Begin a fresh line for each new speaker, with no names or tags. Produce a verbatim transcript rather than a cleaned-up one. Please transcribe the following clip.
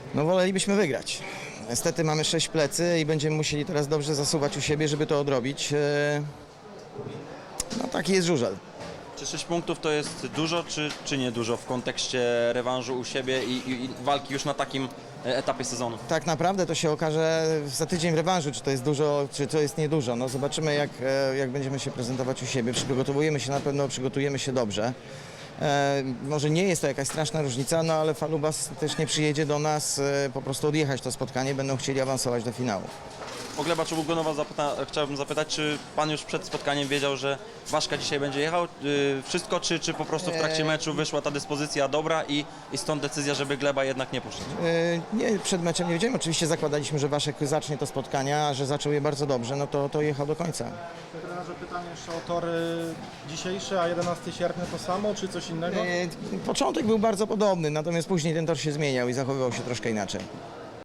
No wolelibyśmy wygrać. Niestety mamy sześć plecy i będziemy musieli teraz dobrze zasuwać u siebie, żeby to odrobić. E, No taki jest żużel.
Czy sześć punktów to jest dużo, czy, czy nie dużo w kontekście rewanżu u siebie i, i, i walki już na takim e, etapie sezonu?
Tak naprawdę to się okaże za tydzień w rewanżu, czy to jest dużo, czy to jest niedużo. No zobaczymy, jak, e, jak będziemy się prezentować u siebie. Przygotowujemy się na pewno, przygotujemy się dobrze. E, może nie jest to jakaś straszna różnica, no ale Falubas też nie przyjedzie do nas e, po prostu odjechać to spotkanie, będą chcieli awansować do finału.
O Gleba Czobugonowa zapyta, chciałbym zapytać, czy pan już przed spotkaniem wiedział, że Waszka dzisiaj będzie jechał? Yy, wszystko, czy, czy po prostu w trakcie meczu wyszła ta dyspozycja dobra i, i stąd decyzja, żeby Gleba jednak nie puszczać?
E, Nie, przed meczem nie wiedziałem. Oczywiście zakładaliśmy, że Waszek zacznie to spotkanie, a że zaczął je bardzo dobrze, no to, to jechał do końca.
Trenerze, pytanie jeszcze o tory dzisiejsze, a jedenastego sierpnia to samo, czy coś innego?
E, Początek był bardzo podobny, natomiast później ten tor się zmieniał i zachowywał się troszkę inaczej.